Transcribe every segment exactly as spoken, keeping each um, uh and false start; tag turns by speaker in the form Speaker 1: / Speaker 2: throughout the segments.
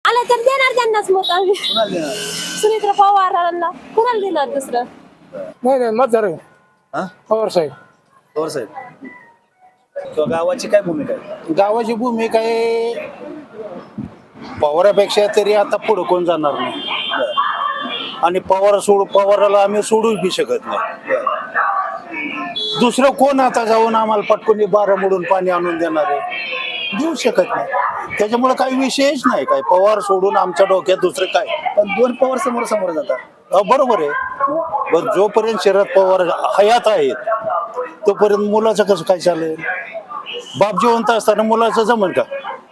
Speaker 1: आला तर देणार त्यांनाच मत आम्ही. सुनेत्रा पवारांना कुणाला देणार दुसरं.
Speaker 2: नाही नाही मतदार आहे.
Speaker 3: हा
Speaker 2: पवार साहेब.
Speaker 3: पवार साहेब. तो गावाची काय भूमिका आहे?
Speaker 4: गावाची भूमिका आहे पवारापेक्षा तरी आता पुढे कोण जाणार नाही. आणि पवार सोड पवाराला आम्ही सोडूच बी शकत नाही. दुसरं कोण आता जाऊन आम्हाला पटकन बारा मोडून पाणी आणून देणार आहे? देऊ शकत नाही. त्याच्यामुळे काही विषयच नाही. काय पवार सोडून आमच्या डोक्यात दुसरं काय?
Speaker 3: पण दोन पवार समोर समोर जातात.
Speaker 4: अ, बरोबर आहे. पण जोपर्यंत शरद पवार हयात आहेत तोपर्यंत मुलाचं कसं काय चालेल? बाप जिवंत असताना मुलाचं जमन का?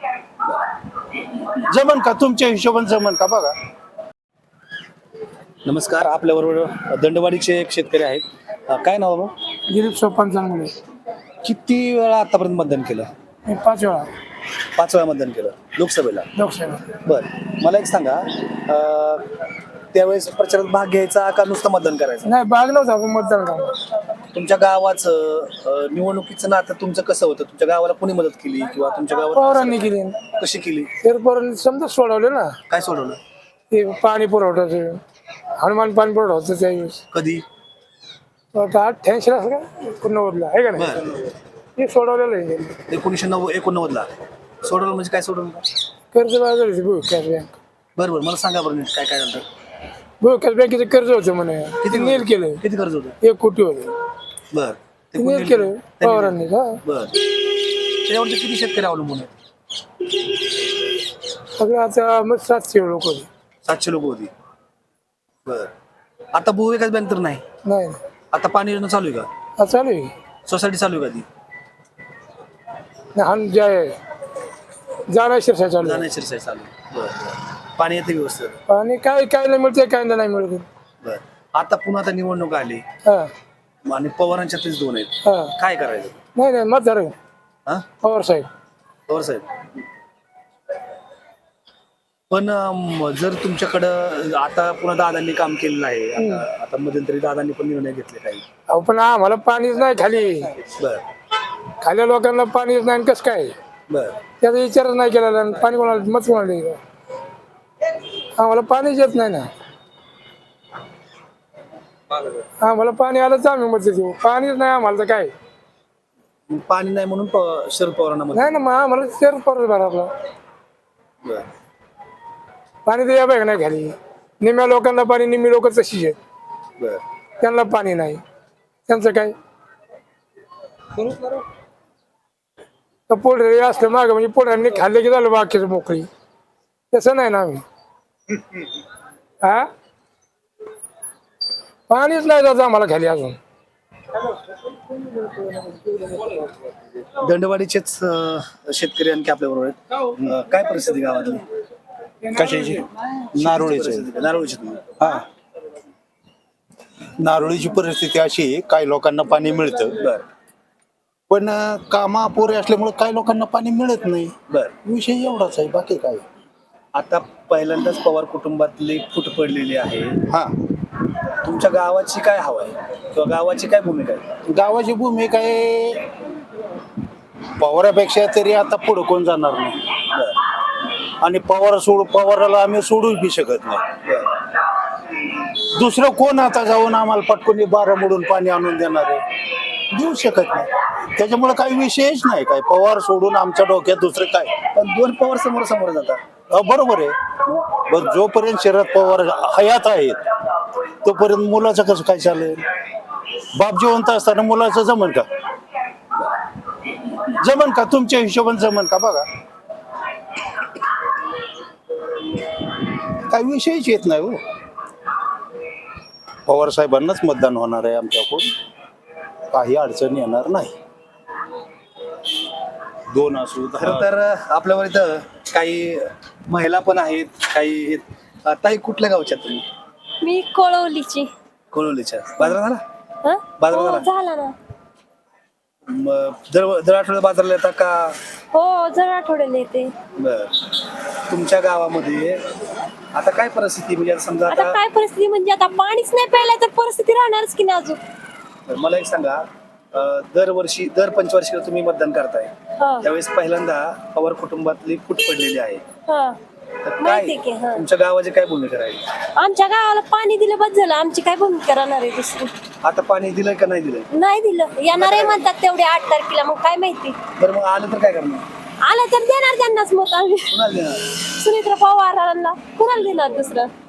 Speaker 4: जमन का? तुमच्या हिशोबाने जमन का? बघा.
Speaker 3: नमस्कार, आपल्याबरोबर दंडवाडीचे एक शेतकरी आहेत. अं, काय नाव मग?
Speaker 2: दिलीप सोपान चांगले.
Speaker 3: किती वेळा आतापर्यंत मतदान केलं?
Speaker 2: मी पाच वेळा
Speaker 3: पाच वेळा मतदान केलं लोकसभेला.
Speaker 2: लोकसभा.
Speaker 3: बर, मला एक सांगा, अं, त्यावेळेस प्रचारात भाग घ्यायचा का नुसतं मतदान करायचं?
Speaker 2: नाही भाग नव्हता आपण मतदान करणार.
Speaker 3: तुमच्या गावाचं अं, निवडणुकीचं नातं तुमचं कसं होतं? तुमच्या गावाला कोणी मदत केली किंवा तुमच्या गावात
Speaker 2: पवारांनी केली.
Speaker 3: कशी केली?
Speaker 2: तर पवारांनी समजा सोडवले ना.
Speaker 3: काय सोडवलं?
Speaker 2: ते पाणी पुरवठ्याचं हनुमान पाणी पुरवठा होतं त्यावेळेस.
Speaker 3: कधी?
Speaker 2: अठ्ठ्याऐंशी असं का एकोणनव्वदला आहे का नाही?
Speaker 3: बर,
Speaker 2: ते सोडवलेलं आहे.
Speaker 3: एकोणीसशे नव्वद एकोणनव्वद ला सोडवलं म्हणजे काय सोडवलं?
Speaker 2: कर्ज बाजाराची भूविकास बँक.
Speaker 3: बरं बरं, मला सांगा बरं नीट काय काय झालं.
Speaker 2: भूविकास बँकेचं कर्ज होतं म्हणे. किती नील केलं?
Speaker 3: किती कर्ज होतं?
Speaker 2: एक कोटी होतं.
Speaker 3: बर, ते
Speaker 2: ते
Speaker 3: कोणी
Speaker 2: नील केलं पवारांनी का?
Speaker 3: बर, त्याच्यावरती किती शेतकरी अवलंबून आहेत?
Speaker 2: सगळं आता मग सातशे लोक होते.
Speaker 3: सातशे लोक होती. बर, आता भूविकास बँक तर नाही.
Speaker 2: नाही
Speaker 3: आता पाणी योजना चालू आहे का?
Speaker 2: हा चालू आहे.
Speaker 3: सोसायटी चालू आहे का ती?
Speaker 2: नाही, हा जे जाणार शिरसा चालू आहे.
Speaker 3: जाण्याची शिरसाई चालू आहे. बर बर, पाणी येते व्यवस्थित?
Speaker 2: आणि काय काय नाही मिळते काय नाही मिळत.
Speaker 3: बर, आता पुन्हा आता निवडणूक आली
Speaker 2: हा
Speaker 3: आणि पवारांच्यातच दोन आहेत.
Speaker 2: हा
Speaker 3: काय करायचं?
Speaker 2: नाही नाही मतदार आहे.
Speaker 3: हा,
Speaker 2: पवार साहेब.
Speaker 3: पवार साहेब. पण अं, जर तुमच्याकडं आता पुन्हा दादांनी काम केलेलं आहे, आता आता मध्यंतरी दादांनी पण निर्णय घेतले काही.
Speaker 2: अहो पण आम्हाला पाणीच नाही खाली.
Speaker 3: बर
Speaker 2: खाल्या लोकांना पाणीच नाही कसं काय?
Speaker 3: बर
Speaker 2: त्याचा विचारच नाही केला. आणि पाणी कोणाला मत कोणाला द्यायचं? आम्हाला पाणीच येत नाही ना. आम्हाला पाणी आलं तर आम्ही मत देऊ. पाणीच नाही आम्हाला तर काय
Speaker 3: पाणी नाही म्हणून प- शरद पवारांना मत.
Speaker 2: नाही ना. मग आम्हाला शेअर परत भरा आपला.
Speaker 3: बर
Speaker 2: पाणी तर या पाहिजे नाही खाली. निम्या लोकांना पाणी, निम्मी लोक तशीच आहेत.
Speaker 3: बर
Speaker 2: त्यांना पाणी नाही. त्यांचं काय तर पोळी असलं मागं म्हणजे पोळ्यांनी खाल्ले की झालं बाकीचं मोकळी. तसं नाही ना आम्ही. हा पाणीच नाही जात आम्हाला खाली अजून.
Speaker 3: दंडवाडीचेच अं, शेतकरी आणखी आपल्या बरोबर आहेत. अं, काय परिस्थिती गावातली?
Speaker 4: कशाची? नारोळीची.
Speaker 3: परिस्थिती काय? नारोळीची तुम्ही?
Speaker 4: हा, नारोळीची परिस्थिती अशी आहे, काही लोकांना पाणी मिळतं
Speaker 3: बर
Speaker 4: पण कामा अपुरे असल्यामुळे काही लोकांना पाणी मिळत नाही.
Speaker 3: बर,
Speaker 4: विषय एवढाच आहे, बाकी काय.
Speaker 3: आता पहिल्यांदाच पवार कुटुंबातली फूट पडलेली आहे.
Speaker 4: हा,
Speaker 3: तुमच्या गावाची काय हवा आहे किंवा गावाची काय भूमिका आहे?
Speaker 4: गावाची भूमिका आहे पवारापेक्षा तरी आता पुढे कोण जाणार नाही.
Speaker 3: बर
Speaker 4: आणि पवार सोड पवाराला आम्ही सोडूच बी शकत नाही.
Speaker 3: बर,
Speaker 4: दुसरं कोण आता जाऊन आम्हाला पटकन बारा मोडून पाणी आणून देणार आहे? देऊ शकत नाही. त्याच्यामुळे काही विषयच नाही. काय पवार सोडून आमच्या डोक्यात दुसरं काय?
Speaker 3: पण दोन पवार समोर समोर जातात.
Speaker 4: अ, बरोबर आहे. पण जोपर्यंत शरद पवार हयात आहेत तोपर्यंत मुलाचं कसं काय चालेल? बाप जिवंत असताना मुलाचं जमन का? जमन का? तुमच्या हिशोबाने जमन का? बघा. काही विषयच येत नाही हो. पवार साहेबांनाच मतदान होणार आहे आमच्याकडून. काही अडचण येणार नाही. दोन असू
Speaker 3: खरं
Speaker 4: दहा.
Speaker 3: तर आपल्यावर इथं काही महिला पण आहेत, काही आहेत. ताई कुठल्या गावच्या तुम्ही?
Speaker 1: मी कोळवलीची.
Speaker 3: कोळवलीच्या. बाजारात झाला?
Speaker 1: हं?
Speaker 3: बाजारात
Speaker 1: हो,
Speaker 3: आला?
Speaker 1: झाला ना.
Speaker 3: मग दर दर आठवड्यात बाजारला येतात का?
Speaker 1: हो, जर आठवड्याला येते.
Speaker 3: बर, तुमच्या गावामध्ये आता काय परिस्थिती म्हणजे आता समजा
Speaker 1: आता
Speaker 3: आता
Speaker 1: काय परिस्थिती म्हणजे आता पाणीच नाही प्यायला तर परिस्थिती राहणारच की नाही अजून.
Speaker 3: मला एक सांगा, अं, दरवर्षी दर पंचवार्षिकला तुम्ही मतदान करताय,
Speaker 1: हा
Speaker 3: त्यावेळेस पहिल्यांदा पवार कुटुंबातली फूट पडलेली आहे.
Speaker 1: हा
Speaker 3: तर काय
Speaker 1: माहिती की, हा.
Speaker 3: तुमच्या गावाची काय भूमिका राहील?
Speaker 1: आमच्या गावाला पाणी दिलं बस झालं, आमची काय भूमिका राहणार आहे दुसरी?
Speaker 3: आता पाणी दिलंय का नाही दिलंय?
Speaker 1: नाही दिलं, येणार आहे म्हणतात तेवढे आठ तारखेला, मग काय माहिती.
Speaker 3: बरं मग आलं तर काय करणार?
Speaker 1: आलं तर देणार त्यांनाच मत आम्ही.
Speaker 3: कुणाला देणार?
Speaker 1: सुनेत्रा पवारांना कुणाला देणार दुसरं?